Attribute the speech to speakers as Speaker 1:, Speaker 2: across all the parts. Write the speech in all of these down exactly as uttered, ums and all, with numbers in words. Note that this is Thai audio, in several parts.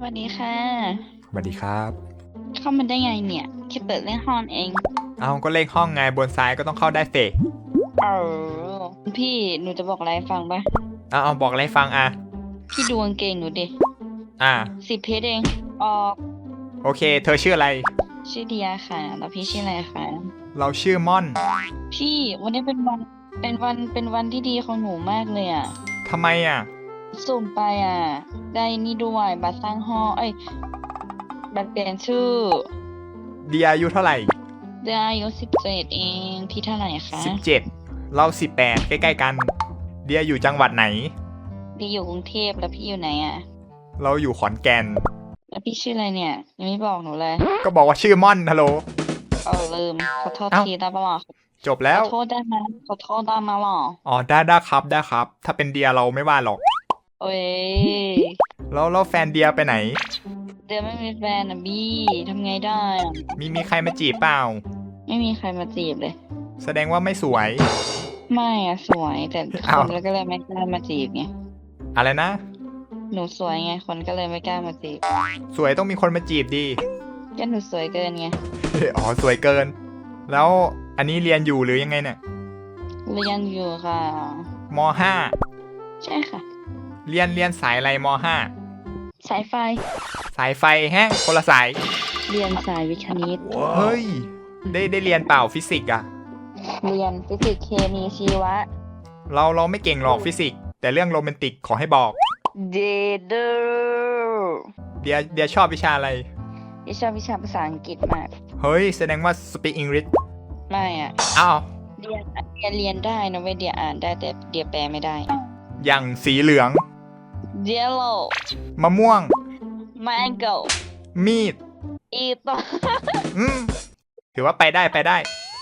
Speaker 1: วัสดีค่ะ
Speaker 2: สวัสดีครับ
Speaker 1: เข้ามาได้ไงเนี่ยแค่เปิดเล่นห้องเอง
Speaker 2: เอาก็เลขห้องไงบนซ้ายก็ต้องเข้าได้เฟก
Speaker 1: เออพี่หนูจะบอกอะไรให้ฟังปะ
Speaker 2: เอาเอาบอกอะไรฟังอ่ะ
Speaker 1: พี่ดูกางเกงหนูดิ
Speaker 2: อ่า
Speaker 1: สิบเพชรเองออก
Speaker 2: โอเคเธอชื่ออะไร
Speaker 1: ชื่อเดียค่ะแล้วพี่ชื่ออะไรคะ
Speaker 2: เราชื่อม่อน
Speaker 1: พี่วันนี้เป็นวันเป็นวันเป็นวันที่ดีของหนูมากเลยอ่ะ
Speaker 2: ทำไมอ่ะ
Speaker 1: สุ่มไปอ่ะได้นี่ด้วยบัตรสร้างห้องเอ้ยบัตรเปลี่ยนชื่อ
Speaker 2: เดียอายุเท่าไหร่
Speaker 1: ได้อายุสิบเจ็ดเองพี่เท่าไหร่คะ
Speaker 2: สิบเจ็ดเราสิบแปดใกล้ๆกันเดียอยู่จังหวัดไหน
Speaker 1: พี่อยู่กรุงเทพแล้วพี่อยู่ไหนอ่ะ
Speaker 2: เราอยู่ขอนแก่น
Speaker 1: แล้วพี่ชื่ออะไรเนี่ยยังไม่บอกหนูเลย
Speaker 2: ก็บอกว่าชื่อม่อนฮัลโหล
Speaker 1: เออลืมขอโทษทีได้ปะหรอ
Speaker 2: จบแล้ว
Speaker 1: ขอโทษได้ไหมขอโทษได้ไหมหรอ
Speaker 2: อ๋อได้ได้ครับได้ครับถ้าเป็นเดียเราไม่ว่าหรอก
Speaker 1: โอ้ย
Speaker 2: แล้วแล้วแฟนเดียไปไหน
Speaker 1: เดี๋ยวไม่มีแฟนนะบี้ทำไงได้อะ
Speaker 2: มีมีใครมาจีบเปล่า
Speaker 1: ไม่มีใครมาจีบเลย
Speaker 2: แสดงว่าไม่สวย
Speaker 1: ไม่อะสวยแต่คนก็เลยไม่กล้ามาจีบไง
Speaker 2: อะไรนะ
Speaker 1: หนูสวยไงคนก็เลยไม่กล้ามาจีบ
Speaker 2: สวยต้องมีคนมาจีบดี
Speaker 1: ก็หนูสวยเกินไง
Speaker 2: อ๋อสวยเกินแล้วอันนี้เรียนอยู่หรือยังไงเนี่ย
Speaker 1: เรียนอยู่ค่ะ
Speaker 2: มห้า
Speaker 1: ใช่ค่ะ
Speaker 2: เรียนเรียนสายอะไรมห้า
Speaker 1: สายไฟ
Speaker 2: สายไฟแฮะคนละสาย
Speaker 1: เรียนสายวิทย์คณิต
Speaker 2: เฮ้ยได้ได้เรียนเปล่าฟิสิกส์อะ
Speaker 1: เรียนฟิสิกส์เคมีชีวะ
Speaker 2: เราเราไม่เก่งหรอกฟิสิกส์แต่เรื่องโรแมนติกขอให้บอก
Speaker 1: เดเดอร์
Speaker 2: เดียเดียชอบวิชาอะไร
Speaker 1: ดิชอบวิชาภาษาอังกฤษมาก
Speaker 2: เฮ้ยแสดงว่า speak English
Speaker 1: ไม่อ่ะ
Speaker 2: อ้าว
Speaker 1: เรียนเรียนเรียนได้นะเว้ยเดียอ่านได้แต่เดียแปลไม่ได้
Speaker 2: อย่างสีเหลือง
Speaker 1: yellow
Speaker 2: มะม่วง
Speaker 1: mango
Speaker 2: มีด
Speaker 1: อีตอ
Speaker 2: อืมถือว่าไปได้ไปได้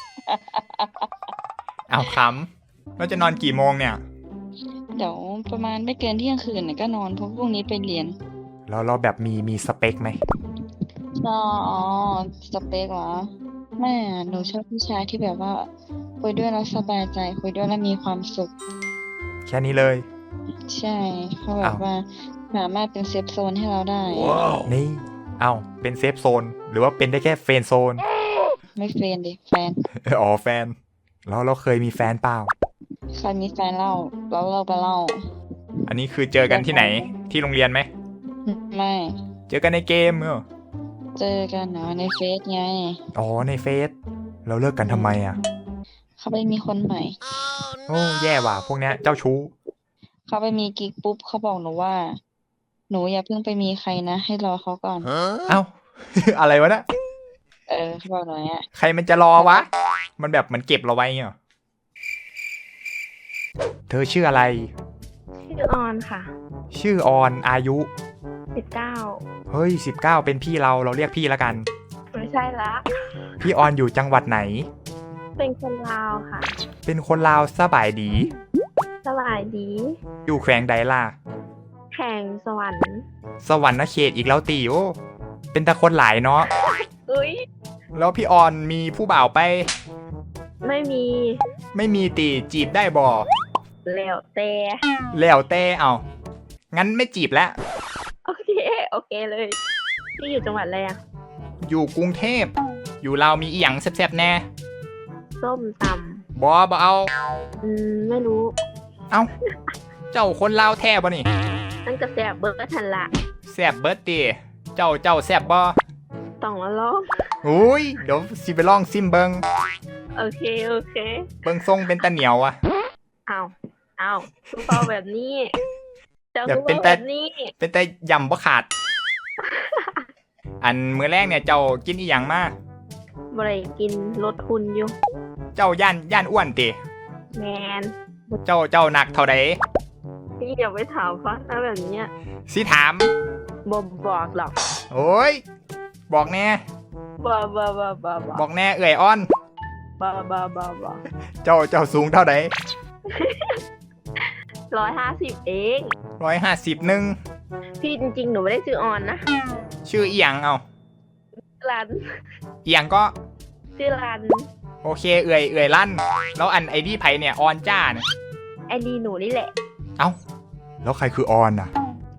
Speaker 2: เอาคำเราจะนอนกี่โมงเนี่ย
Speaker 1: เดี๋ยวประมาณไม่เกินเที่ยงคืนเนี่ยก็นอนเพราะพรุ่งนี้ไปเรียน
Speaker 2: แล้วเราแบบมีมีสเปคไหม
Speaker 1: อ๋อสเปคเหรอแม่หนูชอบผู้ชายที่แบบว่าคุยด้วยแล้วสบายใจคุยด้วยแล้วมีความสุข
Speaker 2: แค่นี้เลย
Speaker 1: ใช่เขาแบบว่าสามารถเป็นเซฟโซนให้เราได้
Speaker 2: นี่เอาเป็นเซฟโซนหรือว่าเป็นได้แค่เฟรนด์โซน
Speaker 1: ไม่เฟรนดิแฟน
Speaker 2: อ๋อแฟนแล้วเราเคยมีแฟนเปล่า
Speaker 1: เคยมีแฟนเล่าแล้วเราไปเล่า
Speaker 2: อันนี้คือเจอกันที่ไหนที่โรงเรียนไหม
Speaker 1: ไม่
Speaker 2: เจอกันในเกมเหรอ
Speaker 1: เจอกันเนาะในเฟซไง
Speaker 2: อ๋อในเฟซเราเลิกกันทำไมอ่ะ
Speaker 1: เขาไปมีคนใหม่
Speaker 2: โอ้แย่ว่ะพวกเนี้ยเจ้าชู้
Speaker 1: เขาไปมีกิ๊กปุ๊บเขาบอกหนูว่าหนูอย่าเพิ่งไปมีใครนะให้รอเขาก่อน
Speaker 2: เอ้า อะไรวะนะ
Speaker 1: เออเขาบอกหนูเนี้ย
Speaker 2: ใครมันจะรอวะมันแบบมันเก็บเราไว้เงี้ยเธอชื่ออะไร
Speaker 3: ชื่อออนค่ะ
Speaker 2: ชื่อออนอายุ
Speaker 3: สิบเก้า
Speaker 2: เฮ้ยสิบเก้าเป็นพี่เราเราเรียกพี่ละกัน
Speaker 3: ไม่ใช่ละ
Speaker 2: พี่ออนอยู่จังหวัดไหน
Speaker 3: เป็นคนลาวค่ะ
Speaker 2: เป็นคนลาวสบายดี
Speaker 3: สบายดี
Speaker 2: อยู่แขวงใดล่ะ
Speaker 3: แข่งสวรรค์
Speaker 2: สวรรค์เขตอีกแล้วตีโอเป็นตะคนหลายเนาะ
Speaker 3: อุ้ย
Speaker 2: แล้วพี่ออนมีผู้บ่าวไป
Speaker 3: ไม่มี
Speaker 2: ไม่มีตีจีบได้บ่
Speaker 3: แล้วแต่
Speaker 2: แล้วแต่เอางั้นไม่จีบแล้ว
Speaker 3: โอเคโอเคเลยพี่อยู่จังหวัดอะไรอ่ะ
Speaker 2: อยู่กรุงเทพอยู่ลาวมีอีหยังแซ่บๆแน่
Speaker 3: ส้มต
Speaker 2: ำบ่บ่เอา
Speaker 3: อืมไม่รู้
Speaker 2: เอ้าเจ้าคนลาวแท้บ่นี่
Speaker 3: นั่นก็แซ่บเบิร์ดทันละ
Speaker 2: แซ่บเบิร์ดตีเจ้าเจ้าแซ่บบ่
Speaker 3: ต้องมาลอง
Speaker 2: อุ้ยเดี๋ยวสิไปลองซิมเบิง
Speaker 3: โอเคโอเค
Speaker 2: เบิงทรงเป็นตะเหนียวอะ
Speaker 3: เอาเอาทุกคนแบบนี้เจ้าทุกคนแบบนี้
Speaker 2: เป็นแต่ยำบ่ขาดอันมื้อแรกเนี่ยเจ้ากินอีหยังมา
Speaker 3: บ่ได้กินลดคุณอยู่
Speaker 2: เจ้าย่านย่านอ้วนติ
Speaker 3: แมน
Speaker 2: เจ้าเจ้าหนักเท่าใด
Speaker 3: พี่อย่าไปถามฟังนะแบบนี้
Speaker 2: สิถาม
Speaker 3: บ่บอกหรอก
Speaker 2: โอ้ยบอกแน่
Speaker 3: บ่บ่บ่บ่
Speaker 2: บอกแน่เอื่อยอ้อน
Speaker 3: บ่บ่บ่บ่
Speaker 2: เจ้าเจ้าสูงเท่าใด
Speaker 3: ร้อยห้าสิบเอง
Speaker 2: ร้อยห้าสิบหนึ่ง
Speaker 3: พี่จริงๆหนูไม่ได้ชื่อออนนะ
Speaker 2: ชื่ออีหยังเอา
Speaker 3: รัน
Speaker 2: อีหยังก็
Speaker 3: ชื่อรัน
Speaker 2: โอเคเอื่อยเอื่อยลั่นแล้วอันไอดีไผเนี่ยออนจ้าเนี่ย
Speaker 3: ไอดีหนูนี่แหละ
Speaker 2: เอ้าแล้วใครคือออนอ่ะ
Speaker 3: ช่างเ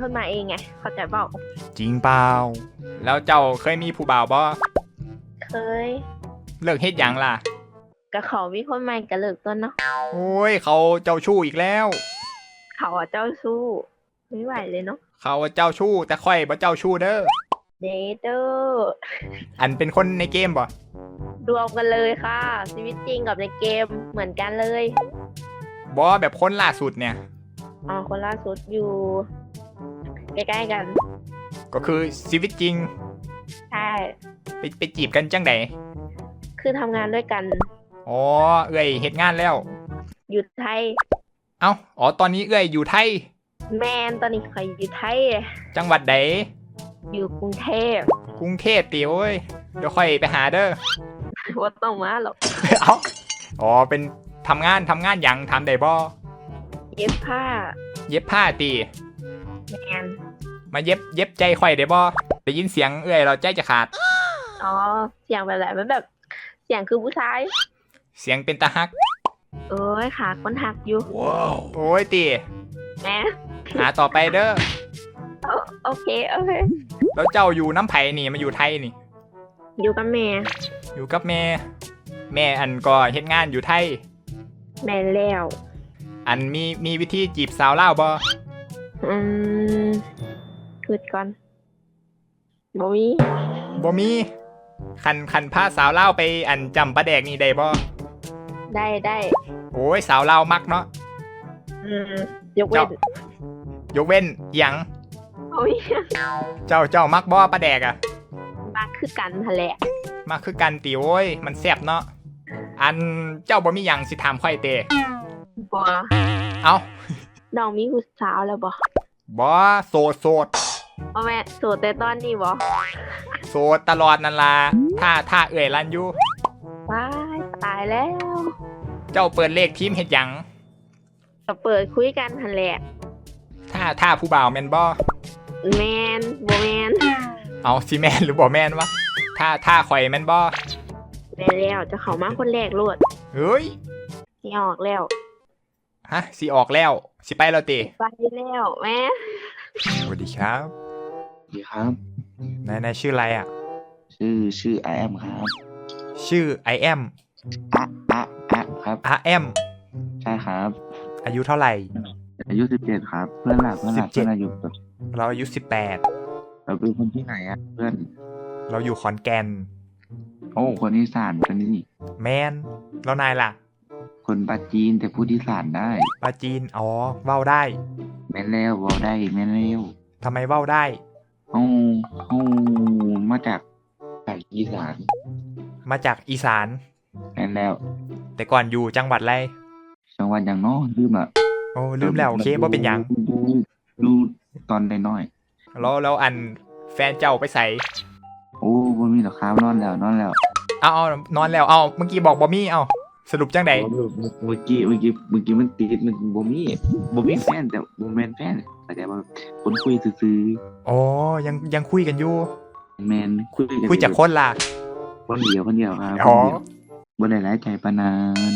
Speaker 3: ขึ้นมาเองไงเข้าใจเปล่า
Speaker 2: จริงเปล่าแล้วเจ้าเคยมีผู้บ่าวบ่
Speaker 3: เคย
Speaker 2: เลิกเฮ็ดหยังล่ะ
Speaker 3: กับเขามีคนใหม่กระเลิกต้นเนาะ
Speaker 2: โอ้ยเขาเจ้าชู้อีกแล้ว
Speaker 3: เขาอะเจ้าสู้ไม่ไหวเลยเนาะ
Speaker 2: เขาเจ้าชู้แต่ค่อยบ่เจ้าชู้เด้อ
Speaker 3: เดเตอร์
Speaker 2: อันเป็นคนในเกมบ่
Speaker 3: รวมกันเลยค่ะชีวิตจริงกับในเกมเหมือนกันเลย
Speaker 2: บ่แบบคนล่าสุดเนี่ย
Speaker 3: อ๋อคนล่าสุดอยู่ ใกล้ๆกัน
Speaker 2: ก็คือชีวิตจริง
Speaker 3: ใช่
Speaker 2: ไปไปจีบกันจังได
Speaker 3: คือทำงานด้วยกัน
Speaker 2: อ๋อเอ้ยเฮ็ดงานแล้ว
Speaker 3: อยู่ไทย
Speaker 2: เอ้าอ๋อตอนนี้เอ้ยอยู่ไทย
Speaker 3: แมนตอนนี้ใครอยู่ไทย
Speaker 2: จังหวัดใด
Speaker 3: อยู่กรุงเทพ
Speaker 2: กรุงเทพติโอ้ยเดี๋ยวค่อยไปหาเด้อ
Speaker 3: ว่าต้องมาหรอก
Speaker 2: เอ้าอ๋อเป็นทำงานทำงานหยังทำได้บ่
Speaker 3: เย็บผ้า
Speaker 2: เย็บผ้าติ
Speaker 3: แมน
Speaker 2: มาเย็บเย็บใจค่อยได้บ่ได้ยินเสียงเอ้ยเราใจจะขาด
Speaker 3: อ๋อเสียงแบบไหนมันแบบ เสียงคือผู้ชาย
Speaker 2: เสียงเป็นตาฮัก
Speaker 3: เอ้ยขาคนหักอยู่
Speaker 2: โอ้ยติ
Speaker 3: แหม
Speaker 2: หาต่อไปเด้อ
Speaker 3: โอโอเคโอเค
Speaker 2: แล้วเจ้าอยู่น้ำไผ่นี่มาอยู่ไทยนี่
Speaker 3: อยู่กับแม่
Speaker 2: อยู่กับแม่ แม่อันก็เฮ็ดงานอยู่ไทย
Speaker 3: แม่แล้ว
Speaker 2: อันมีมีวิธีจีบสาวลาวบ่
Speaker 3: อืมคืดก่อนบ่มี
Speaker 2: บ่มีคันคันพาสาวลาวไปอันจำปลาแดกนี่ได้บ่
Speaker 3: ได้ได้
Speaker 2: โอ้ยสาวลาวมักเนาะ
Speaker 3: อืมยกเว้น
Speaker 2: ยกเว้นอิหยัง
Speaker 3: โอ้ย
Speaker 2: เจ้าเจ้ามักบ่ปลาแดกอะ
Speaker 3: มาคือกันทะแหละ
Speaker 2: มักคือกันติโอ้ยมันแซ่บเนาะอันเจ้าบ่มีหยังสิถามค่อยเต
Speaker 3: บ่
Speaker 2: เอ้า
Speaker 3: น้องมีผู้สาวแล้วบ่
Speaker 2: บ่โสดโสด
Speaker 3: บ่แม่โสดแต่ตอนนี้บ่
Speaker 2: โสดตลอดนั่นล่ะถ้าถ้าเอ่ยลันอยู่
Speaker 3: ว้ายตายแล้ว
Speaker 2: เจ้าเปิดเลขทีมเฮ็ดหยัง
Speaker 3: ก็เปิดคุยกันทะแหละ
Speaker 2: ถ้าถ้าผู้บ่าวแม่นบ่
Speaker 3: แมนบ่แมน
Speaker 2: เอาสิแม่นหรือบ่แม่นวะถ้าถ้าข่อยแม่นบ่
Speaker 3: แม่แล้วจะเข้ามาคนแรกโลด
Speaker 2: เฮ้ย
Speaker 3: สิออกแล้ว
Speaker 2: ฮะสิออกแล้วสิไปแล้วติ
Speaker 3: ไปแล้วแม่
Speaker 2: สวัสดีครับ
Speaker 4: สวัสดีครับ
Speaker 2: นายนายชื่ออะไรอ่ะ
Speaker 4: ชื่อชื่อไอแอมครับ
Speaker 2: ชื่อ I am
Speaker 4: อะอะอะครับ
Speaker 2: I am
Speaker 4: ใช่ครับ
Speaker 2: อายุเท่าไหร่
Speaker 4: อายุสิบเจ็ดครับ เพื่อนหลักเพื่อนหลัก
Speaker 2: สิบเจ็
Speaker 4: เพื่
Speaker 2: ด
Speaker 4: อนอายุแบบ
Speaker 2: เราอายุสิบแปด
Speaker 4: เราเป็นคนที่ไหนอะเพื่อน
Speaker 2: เราอยู่ขอนแก่น
Speaker 4: โอ้คนอีสานคนนี้
Speaker 2: แมนแล้วนายล่ะ
Speaker 4: คนปาจีนแต่พูดอีสานได้
Speaker 2: ปาจีนอ๋อเว้าได้
Speaker 4: แม่นแล้วเวอาได้แม่นแล้ว
Speaker 2: ทำไมเว้าได้
Speaker 4: เอาเอามาจากภาคอีสาน
Speaker 2: มาจากอีสาน
Speaker 4: แม่นแล้ว
Speaker 2: แต่ก่อนอยู่จังหวัดอะไร
Speaker 4: จังหวัดอย่างน้อลืมอะ
Speaker 2: โอ้ลืมแล้วโอเคบ่เป็นหยัง
Speaker 4: ดูดูตอนน้อย
Speaker 2: แล้วแล้วอันแฟนเจ้าไปใส่
Speaker 4: ๆโอ้บ่มีหรอกครับนอนแล้วนอนแล้ว
Speaker 2: เอาเอานอนแล้วเอาเมื่อกี้บอกบ่มีเอาสรุปจังได
Speaker 4: เมื่อกี้เมื่อกี้เมื่อกี้มันติดมันบ่มีบ่มีแฟนแต่บ่แม่นแฟนแต่ว่าคนคุยซื่อ
Speaker 2: อ๋อยังยังคุยกันอยู่
Speaker 4: ๆแม่นคุยกัน
Speaker 2: คุยจากคนล่ะ
Speaker 4: คนเดียวคนเดียวครับ
Speaker 2: อ๋อ
Speaker 4: คนเดียวบ่ได้หลายใจปานนั้น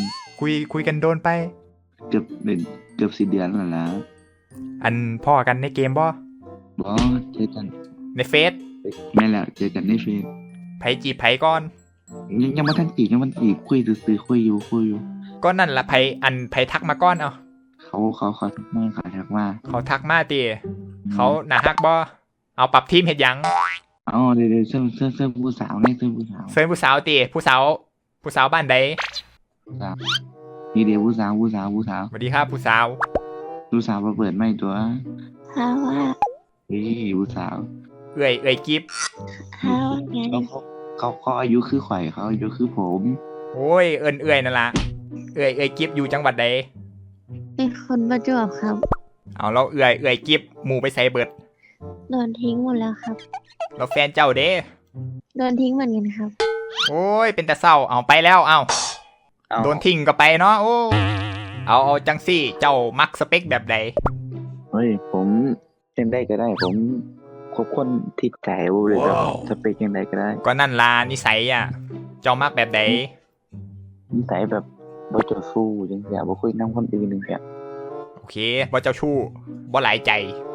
Speaker 2: คุยคุยกันโดนไป
Speaker 4: เกือบเดือนเกือบสิเดือนแล้วล่ะ
Speaker 2: อันพ่อกันในเกมบ่
Speaker 4: บ่เจอกัน
Speaker 2: ในเฟซ
Speaker 4: แม่นแล้วเจอกันในเฟซ
Speaker 2: ไผจีบไผก่อน
Speaker 4: ยังยังบ่ทันจีบยังบ่ทันจีบคุยซื่อๆคุยอยู่คุยอยู่
Speaker 2: ก็นั่นละไผอันไผทักมาก่อนเอา
Speaker 4: เขาเขาเขาทักมาเขาทักมา
Speaker 2: เขาทักมาติเขาหน้าฮักบ่เอาปรับทีมเฮ็ดหยัง
Speaker 4: เอ๋อเดี๋ยวๆเซิ่มเซิ่มเซิ่มผู้สาวนี่เซิ่มผู้สาว
Speaker 2: เซิร์นผู้สาวติผู้สาวผู้สาวบ้านใด
Speaker 4: ผู้สาวนี่เดี๋ยวผู้สาวผู้สาวผู้สาว
Speaker 2: สวัสดีครับผู้สาว
Speaker 4: ผู้สาวมาเปิดไม้ตัว
Speaker 1: ฮาวว่า
Speaker 4: เฮ้ยผู้สาว
Speaker 2: เอื่อยเอื่อยกิฟ
Speaker 1: ฮาวไง
Speaker 4: เขาเขาเขาเขาอายุคือข่อยเขาอายุคือผม
Speaker 2: โอ้ยเอิ้นเอื่อยนั่นล่ะเอื่อยเอื่อยกิฟอยู่จังหวัดใด
Speaker 1: เป็นคนประจวบครับ
Speaker 2: เอาเราเอื่อยเอื่อยกิฟหมู่ไปใส่เบิด
Speaker 1: โดนทิ้งหมดแล้วครับ
Speaker 2: เราแฟนเจ้าเด้
Speaker 1: โดนทิ้งเหมือนกันครับ
Speaker 2: โอ้ยเป็นแต่เศร้าเอาไปแล้วเอาโดนทิ้งก็ไปเนาะโอ้เอาเอาจังซี่เจ้ามักสเปคแบบใด
Speaker 4: เฮ้ยผมยังได้ก็ได้ ผมคบคนที่ใจเลยแบบสเปคยังไงก็ได้
Speaker 2: ก็นั่นล่ะนิสัยอ่ะ เจ้ามักแบบใด
Speaker 4: นิสัยแบบบ่เจ้าสู้จังซี่บ่คุยนำคนอื่นจังซี่
Speaker 2: โอเคบ่เจ้าชู้บ่หลายใจ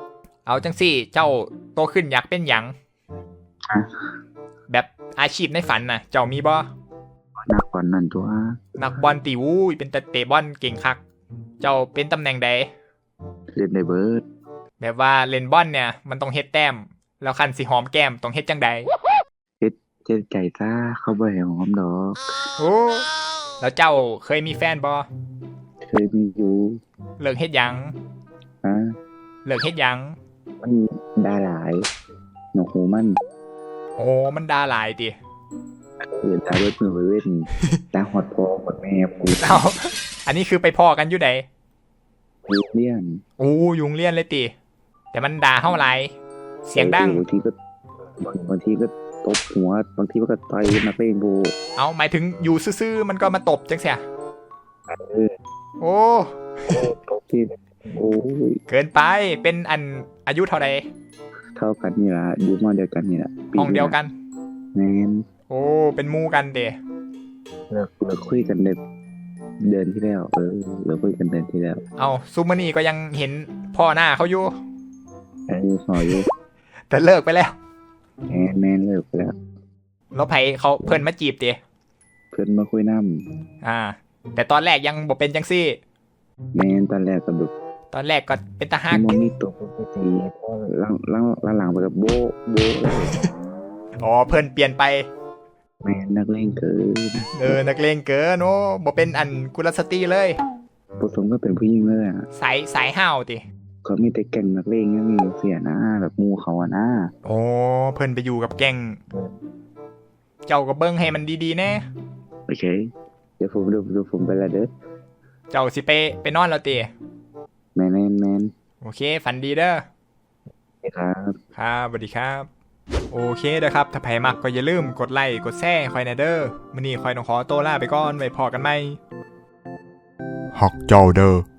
Speaker 2: เอาจังสี่เจ้าโตขึ้นอยากเป็นหยัง
Speaker 4: อ่ะ
Speaker 2: แบบอาชีพในฝันน่ะ เจ้ามีบ่
Speaker 4: นักบอลนั่นตัว
Speaker 2: นักบอลตีวู้ยเป็นแต่เตะบอลเก่งคัก เจ้าเป็นตำแหน่งใด
Speaker 4: เล่นได้เบิร์ด
Speaker 2: แบบว่าเล่นบอลเนี่ยมันต้องเฮ็ดแต้ม แล้วคันสิหอมแก้มต้องเฮ็ดจังใด
Speaker 4: เจ็ดไก่ซ่าเข้าไปหอมดอก
Speaker 2: โอ้แล้วเจ้าเคยมีแฟนบ่
Speaker 4: เคยมีอยู่
Speaker 2: เลิกเฮ็ดหยัง
Speaker 4: ฮะ
Speaker 2: เลิกเฮ็ดหยัง
Speaker 4: มันดาหลายหนวกหูมัน
Speaker 2: โอ้มันด่าหลายติ
Speaker 4: เออตาเบิดมือไปเว้นตาหอดพอหมดแม่กู
Speaker 2: เอาอันนี้คือไปพ่อกันอยู่ใด
Speaker 4: เลี่ยน
Speaker 2: โอ้ยุงเลียนเลยติ แต่มันด่าเฮาหลายเสียงดัง
Speaker 4: บางทีก็บางทีก็ตบหัวบางทีก็ต่อยมาเป็นบู
Speaker 2: เอาหมายถึงอยู่ซื่อๆมันก็มาตบจังเสีย
Speaker 4: เออ
Speaker 2: โอ้
Speaker 4: ตบที่โอ้ย
Speaker 2: เกินไปเป็นอันอายุเท่าใด
Speaker 4: เท่ากันนี่ละอยู่มอเดียวกันนี่ละ
Speaker 2: ห้องเดียวกัน
Speaker 4: แมน
Speaker 2: โอ้เป็นหมู่กันเด้
Speaker 4: เลิกเลิกคุยกันเดือนเดือนที่แล้วเออเลิกคุยกันเดือนที่แล้ว
Speaker 2: เอาซูมานี่ก็ยังเห็นพ่อหน้าเขาอยู่
Speaker 4: เออสอยอยู่
Speaker 2: แต่เลิกไปแล้ว
Speaker 4: แมนแมนเลิกไปแล้ว
Speaker 2: แล้วไผเขาเพิ่นมาจีบเด้
Speaker 4: เพื่อนมาคุยน้
Speaker 2: อ่า แต่ตอนแรกยังบ่เป็นจังซี่
Speaker 4: ำแมนตอนแรกก็แบบ
Speaker 2: ตอนแรกก็เป็นตาฮัก
Speaker 4: มันมีตัวปกติพอหลังหลังหลังหลังไปกับโบะโบะเลย
Speaker 2: อ๋อเพิ่นเปลี่ยนไป
Speaker 4: แมนนักเล่นเกิน
Speaker 2: เออนักเลงเกินโอ้บ่เป็นอันกุลสตรีเลย
Speaker 4: ผสมก็เป็นผู้หญิงเลยอ่ะ
Speaker 2: สายสายห้าวติ
Speaker 4: เขามีแต่แก่งนักเลงยังมีเสียนะแบบมูเขาอะนะ
Speaker 2: โอ้เพิ่นไปอยู่กับแก๊งเจ้าก็เบิ่งให้มันดีๆแน่
Speaker 4: โอเคเดี๋ยวผมดูดูผมไปละเด้อ
Speaker 2: เจ้าสิไปไปนอนแล้วติ
Speaker 4: แมนแมนแมน
Speaker 2: โอเคฝันดีเด้อ
Speaker 4: ครับ
Speaker 2: ครับสวัสดีครับ โอเคเด้อครับ ถ้าใครมักก็อย่าลืมกดไลค์กดแชร์คอยแนะเด้อมื้อนี้คอยต้องขอตัวลาไปก่อนไว้พอกันใหม่ฮักเจ้าเด้อ